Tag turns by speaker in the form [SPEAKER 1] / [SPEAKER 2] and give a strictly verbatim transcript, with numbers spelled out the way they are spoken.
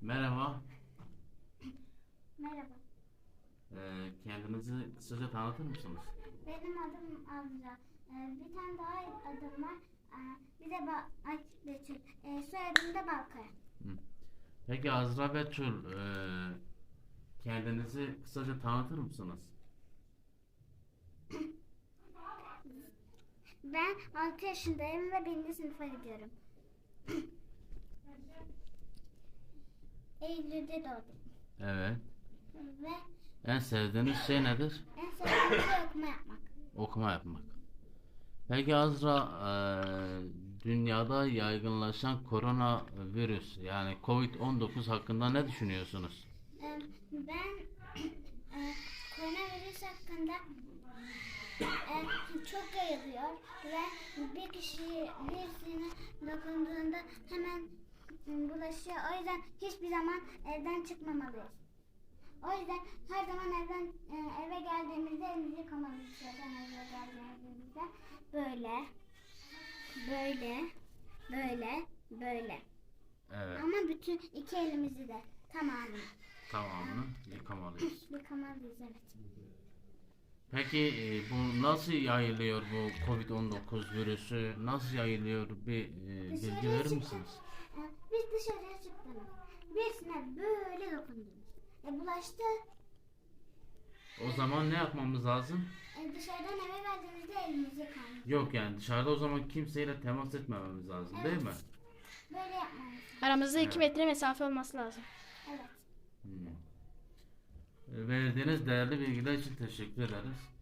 [SPEAKER 1] Merhaba.
[SPEAKER 2] Merhaba.
[SPEAKER 1] Ee, kendinizi kısaca tanıtır mısınız?
[SPEAKER 2] Benim adım Azra. Ee, bir tane daha adım var. Ee, bir de ba Ay, Betül. Ee, soyadım da Balkaya.
[SPEAKER 1] Hı. Peki Azra Betül, e, kendinizi kısaca tanıtır mısınız?
[SPEAKER 2] Ben altı yaşındayım ve birinci sınıfa gidiyorum. Eylül'de doğdum.
[SPEAKER 1] Evet.
[SPEAKER 2] Ve
[SPEAKER 1] En sevdiğiniz şey nedir?
[SPEAKER 2] en sevdiğim şey okuma yapmak.
[SPEAKER 1] Okuma yapmak. Peki Azra, e, dünyada yaygınlaşan koronavirüs yani covid on dokuz hakkında ne düşünüyorsunuz?
[SPEAKER 2] Ee, ben e, koronavirüs hakkında e, çok yayılıyor ve bir kişi birisine dokunduğunda hemen m, bulaşıyor. O yüzden hiçbir zaman evden çıkmamalıyız. O yüzden her zaman evden e, eve geldiğimizde elimizi yıkamalıyız. Zaten eve geldiğimizde böyle, böyle, böyle, böyle.
[SPEAKER 1] Evet.
[SPEAKER 2] Ama bütün iki elimizi de tamamını
[SPEAKER 1] Tamamını yıkamalıyız.
[SPEAKER 2] yıkamalıyız, evet.
[SPEAKER 1] Peki e, bu nasıl yayılıyor, bu covid on dokuz virüsü nasıl yayılıyor, bir e, bilgi
[SPEAKER 2] Dışarıya
[SPEAKER 1] verir
[SPEAKER 2] çıktık.
[SPEAKER 1] misiniz?
[SPEAKER 2] E, Biz dışarıya çıktınız. Birisine böyle dokundunuz. E, bulaştı.
[SPEAKER 1] O zaman ne yapmamız lazım?
[SPEAKER 2] E, dışarıdan eve geldiğimizde elimizi yıkamalıyız.
[SPEAKER 1] Yok, yani dışarıda o zaman kimseyle temas etmememiz lazım,
[SPEAKER 2] Evet.
[SPEAKER 1] değil mi?
[SPEAKER 2] Böyle yapmalıyız.
[SPEAKER 3] Aramızda
[SPEAKER 1] Evet.
[SPEAKER 3] iki metre mesafe olması lazım.
[SPEAKER 2] Evet.
[SPEAKER 1] Hmm. E, Verdiğiniz değerli bilgiler için teşekkür ederiz.